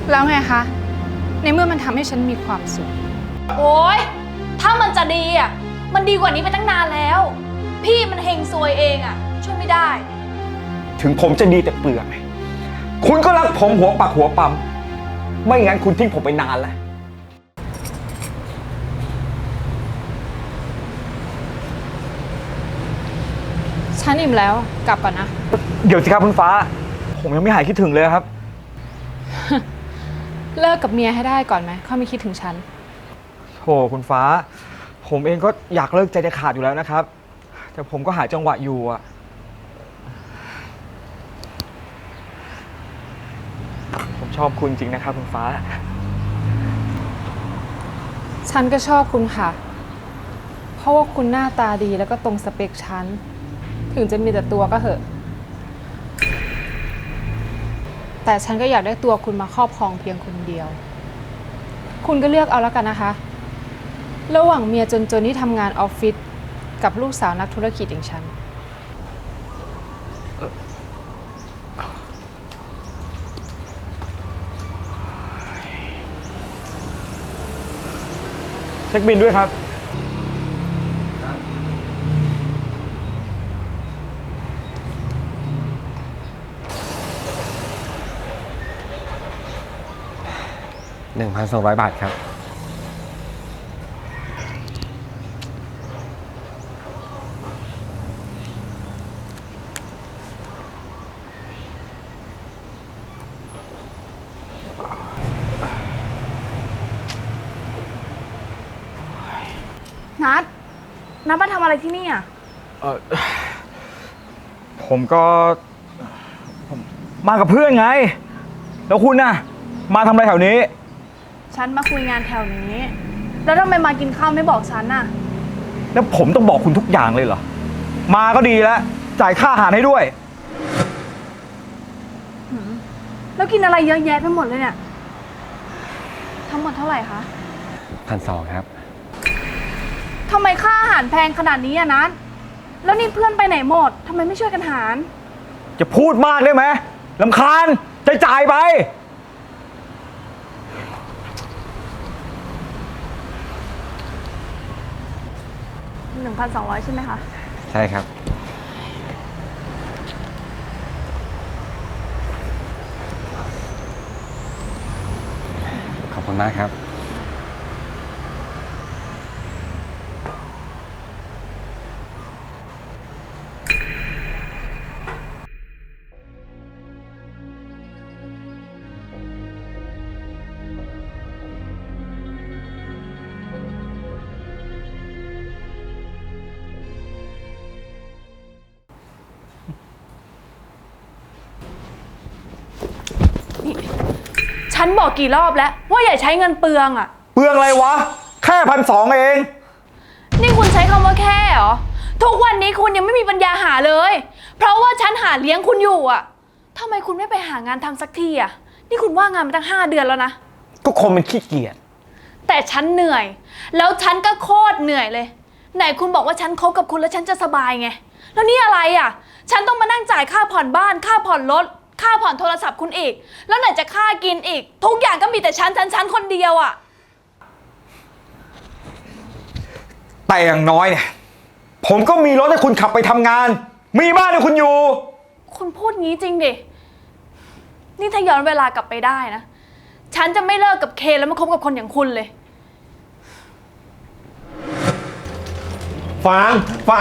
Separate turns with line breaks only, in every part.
แล้วไงคะในเมื่อมันทำให้ฉันมีความสุข
โอ๊ยถ้ามันจะดีอ่ะมันดีกว่านี้ไปตั้งนานแล้วพี่มันเฮงซวยเองอ่ะช่วยไม่ได้
ถึงผมจะดีแต่เปลือกคุณก็รักผมหัวปักหัวปั๊มไม่งั้นคุณทิ้งผมไปนานแล้ว
ฉันอิ่มแล้วกลับก่อนนะ
เดี๋ยวสิครับคุณฟ้าผมยังไม่หายคิดถึงเลยครับ
เลิกกับเมียให้ได้ก่อนไหมค่อยไม่คิดถึงฉัน
โธ่คุณฟ้าผมเองก็อยากเลิกใจจะขาดอยู่แล้วนะครับแต่ผมก็หาจังหวะอยู่อะผมชอบคุณจริงนะครับคุณฟ้า
ฉันก็ชอบคุณค่ะเพราะว่าคุณหน้าตาดีแล้วก็ตรงสเปคฉันถึงจะมีแต่ตัวก็เหอะแต่ฉันก็อยากได้ตัวคุณมาครอบครองเพียงคนเดียวคุณก็เลือกเอาแล้วกันนะคะระหว่างเมียจนๆที่ทำงานออฟฟิศกับลูกสาวนักธุรกิจอย่างฉัน
เช็คบินด้วยครับ1,200 บาทครับ
นัดมาทำอะไรที่นี่อ่ะ
ผมมากับเพื่อนไงแล้วคุณน่ะมาทำอะไรแถวนี้
ฉันมาคุยงานแถวนี้แล้วทำไมมากินข้าวไม่บอกฉันน่ะ
แล้วผมต้องบอกคุณทุกอย่างเลยเหรอมาก็ดีแล้วจ่ายค่าอาหารให้ด้วย
แล้วกินอะไรเยอะแยะไปหมดเลยเนี่ยทั้งหมดเท่าไหร่คะ
1,200ครับ
ทำไมค่าอาหารแพงขนาดนี้อ่ะนัทแล้วนี่เพื่อนไปไหนหมดทำไมไม่ช่วยกันหาร
จะพูดมากได้ไหมรำคาญจ่ายไป
1,200ใช่ไหมคะ
ใช่ครับขอบคุณมากครับ
ฉันบอกกี่รอบแล้วว่าอย่าใช้เงินเปลืองอ่ะ
เปลืองอะไรวะแค่1,200เอง
นี่คุณใช้คำว่าแค่เหรอทุกวันนี้คุณยังไม่มีปัญญาหาเลยเพราะว่าฉันหาเลี้ยงคุณอยู่อ่ะทำไมคุณไม่ไปหางานทำสักทีอ่ะนี่คุณว่างงานมาตั้ง5 เดือนแล้วนะ
ก็คนมันขี้เกียจ
แต่ฉันเหนื่อยแล้วฉันก็โคตรเหนื่อยเลยไหนคุณบอกว่าฉันคบกับคุณแล้วฉันจะสบายไงแล้วนี่อะไรอ่ะฉันต้องมานั่งจ่ายค่าผ่อนบ้านค่าผ่อนรถค่าผ่อนโทรศัพท์คุณอีกแล้วไหนจะค่ากินอีกทุกอย่างก็มีแต่ฉันคนเดียวอ่ะ
แต่อย่างน้อยเนี่ยผมก็มีรถให้คุณขับไปทำงานมีบ้านให้คุณอยู่
คุณพูดงี้จริงดินี่ถ้าย้อนเวลากลับไปได้นะฉันจะไม่เลิกกับเคแล้วมาคบกับคนอย่างคุณเลย
ฟาง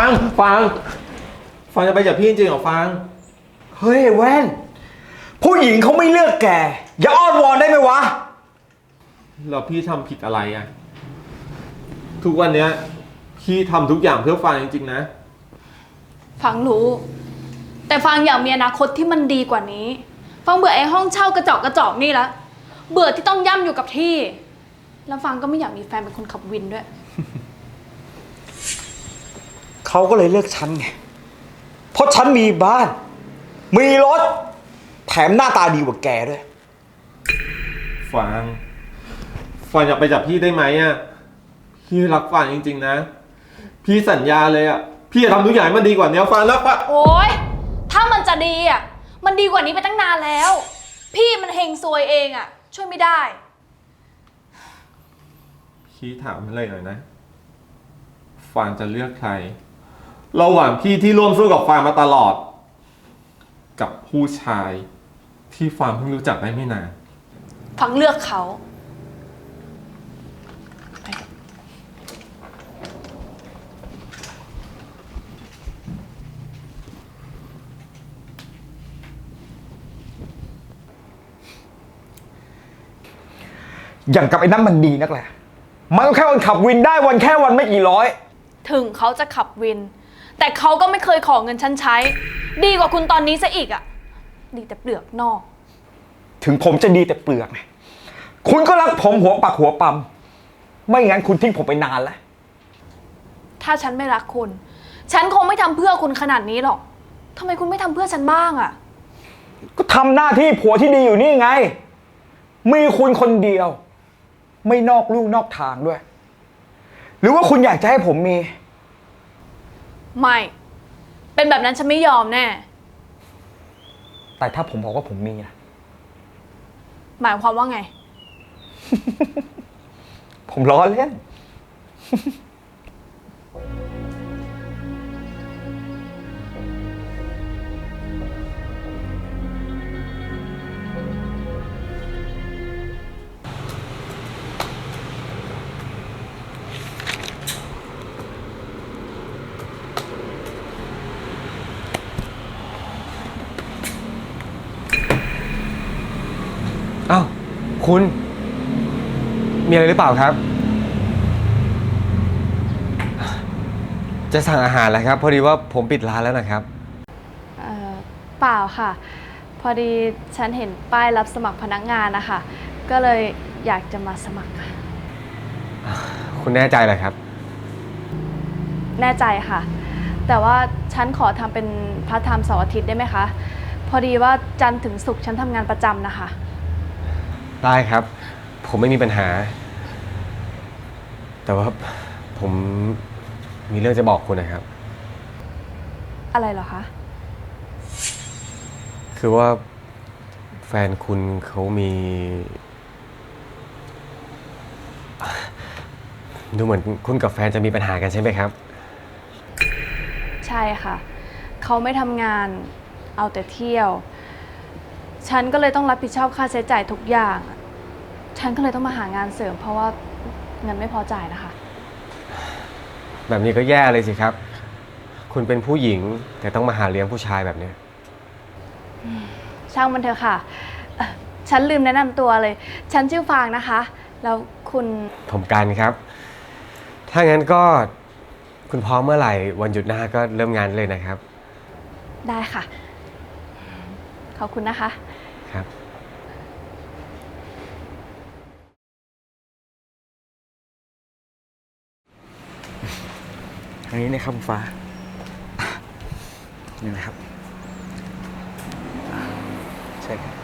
จะไปจากพี่จริงเหรอฟาง
เฮ้ยแว่นผู้หญิงเขาไม่เลือกแกอย่าอ้อนวอนได้ไหมวะ
แล้วพี่ทำผิดอะไรอ่ะทุกวันเนี้ยพี่ทำทุกอย่างเพื่อฟางจริงๆนะ
ฟังรู้แต่ฟังอยากมีอนาคตที่มันดีกว่านี้ฟังเบื่อไอ้ห้องเช่ากระจอกนี่แล้วเบื่อที่ต้องย่ำอยู่กับที่แล้วฟังก็ไม่อยากมีแฟนเป็นคนขับวินด้วย
เขาก็เลยเลือกฉันไงเพราะฉันมีบ้านมีรถแถมหน้าตาดีกว่าแกด้วย
ฟางอยากไปจากพี่ได้ไหมอ่ะพี่รักฟางจริงๆนะพี่สัญญาเลยอ่ะพี่จะทำทุกอย่างให้มันดีกว่านี้ฟางรักฟาง
โอ๊ยถ้ามันจะดีอ่ะมันดีกว่านี้ไปตั้งนานแล้วพี่มันเฮงซวยเองอ่ะช่วยไม่ได้
พี่ถามอะไรหน่อยนะ ฟางจะเลือกใคร ระหว่างพี่ที่ร่วมสู้กับฟางมาตลอด กับผู้ชายที่ฟางเพิ่งรู้จักได้ไม่นาน
ฟังเลือกเขา
อย่างกับไอ้นั่นมันดีนักแหละ มันก็แค่วันขับวินได้วันแค่วันไม่กี่ร้อย
ถึงเขาจะขับวิน แต่เขาก็ไม่เคยขอเงินฉันใช้ ดีกว่าคุณตอนนี้ซะอีกอะดีแต่เปลือกนอก
ถึงผมจะดีแต่เปลือกนะคุณก็รักผมหัวปักหัวปั๊มไม่งั้นคุณทิ้งผมไปนานแล้ว
ถ้าฉันไม่รักคุณ ฉันคงไม่ทำเพื่อคุณขนาดนี้หรอกทำไมคุณไม่ทำเพื่อฉันบ้างอะ
ก็ทำหน้าที่ผัวที่ดีอยู่นี่ไง มีคุณคนเดียว ไม่นอกลู่นอกทางด้วย หรือว่าคุณอยากจะให้ผมมี
ไม่ เป็นแบบนั้นฉันไม่ยอมแน่
แต่ถ้าผมบอกว่าผมมีนะ
หมายความว่าไง
ผมล้อเล่น
อ้าวคุณ มีอะไรหรือเปล่าครับ จะสั่งอาหารแล้วครับ พอดีว่าผมปิดร้านแล้วนะครับ
เปล่าค่ะ พอดีฉันเห็นป้ายรับสมัครพนักงานนะคะ ก็เลยอยากจะมาสมัครค่ะ
คุณแน่ใจเหรอครับ
แน่ใจค่ะ แต่ว่าฉันขอทำเป็นพาร์ทไทม์เสาร์อาทิตย์ได้ไหมคะ พอดีว่าจันทร์ถึงศุกร์ฉันทำงานประจำนะคะ
ได้ครับ ผมไม่มีปัญหา แต่ว่าผมมีเรื่องจะบอกคุณนะครับ
อะไรเหรอคะ
คือว่าแฟนคุณเขามี ดูเหมือนคุณกับแฟนจะมีปัญหากันใช่ไหมครับ
ใช่ค่ะ เขาไม่ทำงานเอาแต่เที่ยว ฉันก็เลยต้องรับผิดชอบค่าใช้จ่ายทุกอย่าง ฉันก็เลยต้องมาหางานเสริม เพราะว่าเงินไม่พอจ่ายนะคะ
แบบนี้ก็แย่เลยสิครับ คุณเป็นผู้หญิงแต่ต้องมาหาเลี้ยงผู้ชายแบบเนี้ย
ช่างมันเถอะค่ะฉันลืมแนะนำตัวเลย ฉันชื่อฟางนะคะ แล้วคุณ
ผมกันครับ ถ้างั้นก็คุณพร้อมเมื่อไหร่วันหยุดหน้าก็เริ่มงานเลยนะครับ
ได้ค่ะ ขอบคุณนะคะ
ครับ
อันนี้นะครับคุณฟ้า นี่นะครับใช่ครับ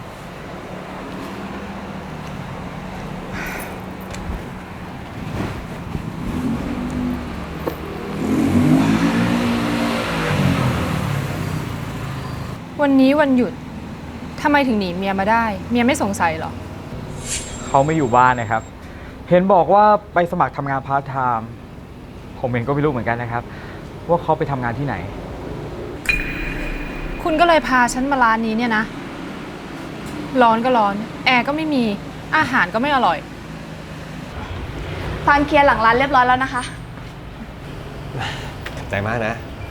วันนี้วันหยุดทำไมถึงหนีเมียมาได้ เมียไม่สงสัยเหรอ
เขาไม่อยู่บ้านนะครับ เห็นบอกว่าไปสมัครทำงานพาร์ทไทม์ผมเองก็ไม่รู้เหมือนกันนะครับ ว่าเขาไปทำงานที่ไหน
คุณก็เลยพาฉันมาร้านนี้เนี่ยนะ ร้อนก็ร้อน แอร์ก็ไม่มี อาหารก็ไม่อร่อย
ฟางเคลียร์หลังร้านเรียบร้อยแล้วนะคะ
ขอบใจมากนะ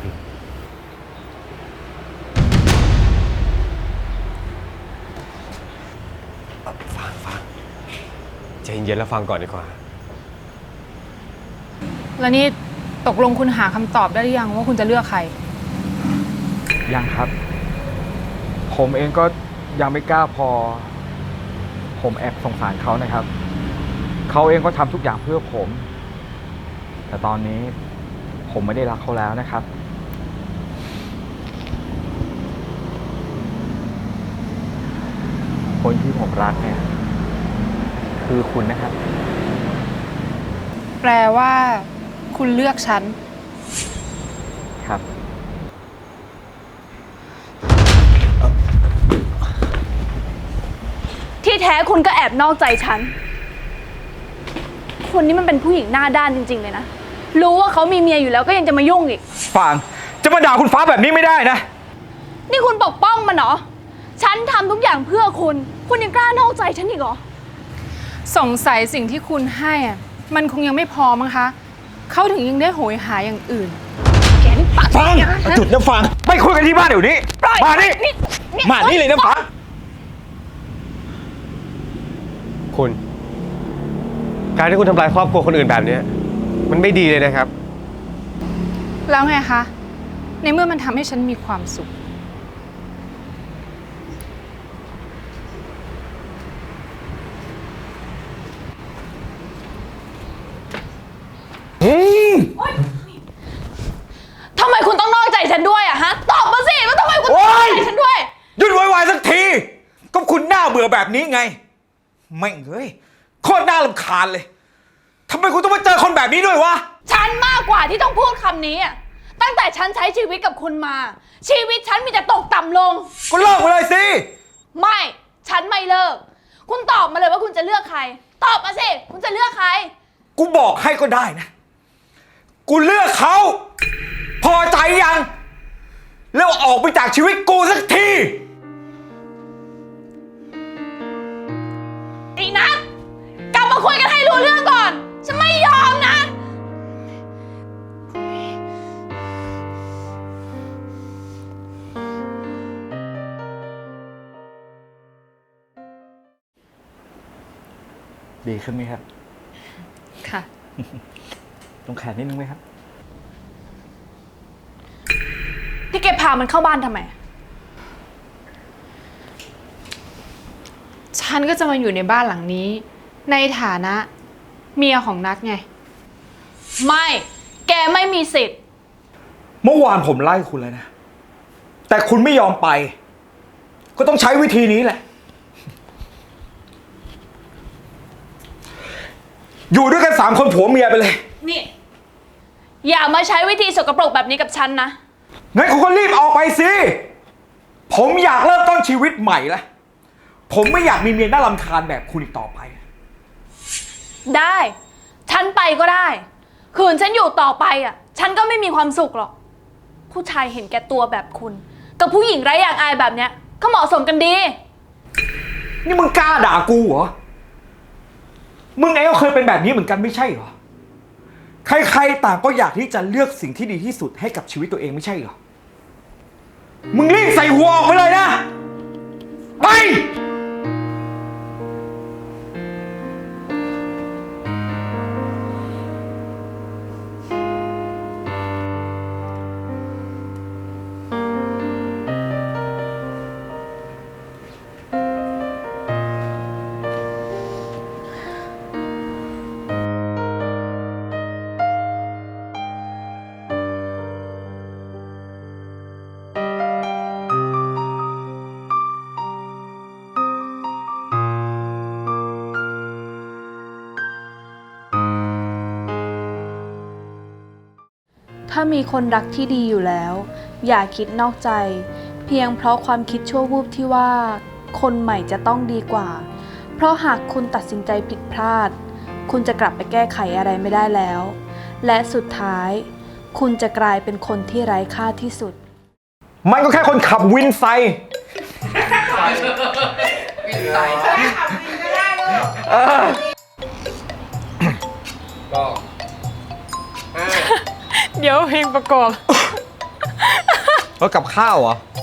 ฟังใจเย็นๆแล้วฟังก่อนดีกว่า
แล้วนี่ตกลงคุณหาคำตอบได้หรือยังว่าคุณจะเลือกใคร
ยังครับ ผมเองก็ยังไม่กล้าพอ ผมแอบสงสารเขานะครับ เขาเองก็ทำทุกอย่างเพื่อผม แต่ตอนนี้ผมไม่ได้รักเขาแล้วนะครับ คนที่ผมรักเนี่ย คือคุณนะครับ
แปลว่า คุณเลือกฉัน
ครับ
ที่แท้คุณก็แอบนอกใจฉันคุณนี่มันเป็นผู้หญิงหน้าด้านจริงๆเลยนะรู้ว่าเขามีเมียอยู่แล้วก็ยังจะมายุ่งอีก
ฟางจะมาด่าคุณฟ้าแบบนี้ไม่ได้นะ
นี่คุณปกป้องมันเหรอฉันทำทุกอย่างเพื่อคุณยังกล้านอกใจฉันอีกเหรอ
สงสัยสิ่งที่คุณให้อะมันคงยังไม่พอมั้งคะ เขาถึงยังได้โหยหาอย่างอื่น
แกนี่ปาก
ฟางหยุดนะฟางไปคุยกันที่บ้านเดี๋ยวนี้ มานี่ มานี่เลยนะฟาง
คุณ การที่คุณทำลายครอบครัวคนอื่นแบบเนี้ยมันไม่ดีเลยนะครับ
แล้วไงคะ ในเมื่อมันทำให้ฉันมีความสุข
ทำไมคุณต้องนอกใจฉันด้วยอะฮะตอบมาสิว่าทำไมคุณต้องนอกใจฉันด้วย
หยุดวายๆสักที ก็คุณหน้าเบื่อแบบนี้ไง ไม่งเอ้ยโคตรน่ารำคาญเลยทำไมคุณต้องมาเจอคนแบบนี้ด้วยวะ
ฉันมากกว่าที่ต้องพูดคำนี้อะตั้งแต่ฉันใช้ชีวิตกับคุณมา ชีวิตฉันมีแต่ตกต่ำลง
ก็เลิกไปเลยสิ
ไม่ ฉันไม่เลิก คุณตอบมาเลยว่าคุณจะเลือกใคร ตอบมาสิ คุณจะเลือกใคร
กูบอกให้ก็ได้นะ กูเลือกเขา พอใจยัง แล้วออกไปจากชีวิตกูสักที
อีนัทกลับมาคุยกันให้รู้เรื่องก่อน ฉันไม่ยอมนะ
ดีขึ้นไหมครับ
ค่ะ
ตรงแขนนิดนึงไหมครับ
ที่แกพามันเข้าบ้านทำไม
ฉันก็จะมาอยู่ในบ้านหลังนี้ ในฐานะเมียของนัทไง
ไม่ แกไม่มีสิทธิ์
เมื่อวานผมไล่คุณเลยนะ แต่คุณไม่ยอมไป ก็ต้องใช้วิธีนี้แหละ อยู่ด้วยกัน3 คนผัวเมียไปเลย
นี่ อย่ามาใช้วิธีสกปรกแบบนี้กับฉันนะ
งั้นคุณก็รีบออกไปสิ ผมอยากเริ่มต้นชีวิตใหม่แล้ว ผมไม่อยากมีเมียน่ารำคาญแบบคุณอีกต่อไป
ได้ ฉันไปก็ได้ คืนฉันอยู่ต่อไปอ่ะ ฉันก็ไม่มีความสุขหรอก ผู้ชายเห็นแก่ตัวแบบคุณ กับผู้หญิงไร้อย่างอายแบบเนี้ย ก็เหมาะสมกันดี
นี่มึงกล้าด่ากูเหรอ มึงเองก็เคยเป็นแบบนี้เหมือนกันไม่ใช่เหรอ ใครๆต่างก็อยากที่จะเลือกสิ่งที่ดีที่สุดให้กับชีวิตตัวเองไม่ใช่เหรอ มึงรีบใส่หัวออกไปเลยนะ ไป
ถ้ามีคนรักที่ดีอยู่แล้ว อย่าคิดนอกใจ เพียงเพราะความคิดชั่ววูบที่ว่า คนใหม่จะต้องดีกว่า เพราะหากคุณตัดสินใจผิดพลาด คุณจะกลับไปแก้ไขอะไรไม่ได้แล้ว และสุดท้าย คุณจะกลายเป็นคนที่ไร้ค่าที่สุด
มันก็แค่คนขับวินไซค์
เดี๋ยวเพลงประกอบ
แล้วกับข้าวเหรอ